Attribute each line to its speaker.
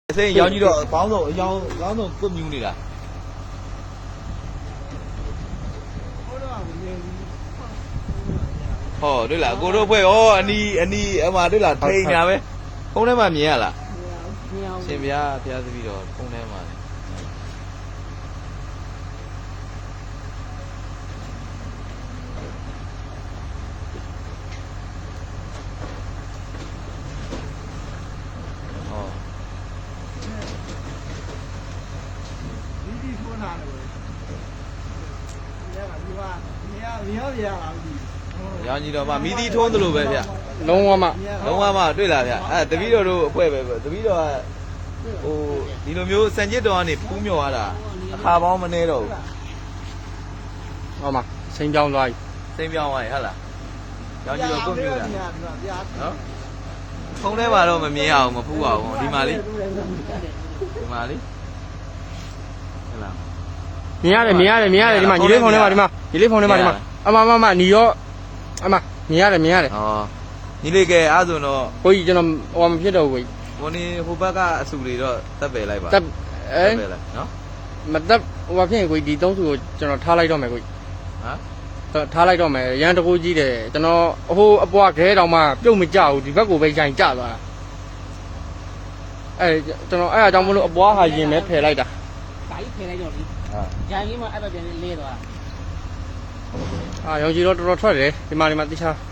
Speaker 1: Xây giao như độ báo rồi giao cơm như này là đây là cô đâu phải anh đi mà đây là thay nhà đấy không đấy mà nhẹ là xem phía video không đấy mà giao như đó mà mí đi thôn rồi vậy ạ đúng không mà đây là ạ từ video đâu quay về từ video đi đâuမျိုးစံကျစ်တော်ကနေပူးမြော်ရတာအခါပေါင်းမနေတော့
Speaker 2: ဟုတ်မှာစိန်ကြောင်းသွားပြီ
Speaker 1: စိမ့်ပြောင်းသွားပြီဟုတ်လားရောင်းကြည့်တော့ကိုမျိုးတာနော်ဖုန်းထဲမှာတော့မမြင်အောင်မဖူးအောင်ဒီမှာလေးဟုတ်လား
Speaker 2: မြင်ရတယ်ဒီမှာညီလေးဖုန်းထဲမှာဒီမှာအမညီရောအမမြင်ရတယ်
Speaker 1: ဩညီလေးကဲအားဆိုတော့
Speaker 2: ကိုကြီးကျွန်တော်ဟိုမဖြစ်တော့ဘူးကိုကြီး
Speaker 1: ဘုန်းကြီးဟိုဘက်ကအဆူတွေတော့တက်ပယ်လိုက်ပါ
Speaker 2: တက်
Speaker 1: ပယ်လိုက်နော်
Speaker 2: မတက်ဟိုဘာဖြစ်ရင်ကိုကြီးဒီသုံးစုကိုကျွန်တော်ထားလိုက်တော့မယ်ကိုကြီးဟမ်ထားလိုက်တော့မယ်ရန်တကူကြီးတယ်ကျွန်တော်ဟိုအပွားခဲတောင်မှပြုတ်မကြဘူးဒီဘက်ကိုပဲရိုင်ကျသွားတာကျွန်တော်အဲ့အကြောင်းမလို့အပွားဟာရင်ပဲဖယ်လိုက်တာဒါကြီးဖယ်လိုက်တော့ဒီရိုင်လေးမှအဲ့ဘက်ပြန်လဲသွားရောင်ကြီးတော့တော်တော်ထွက်တယ်ဒီမှာတိချာ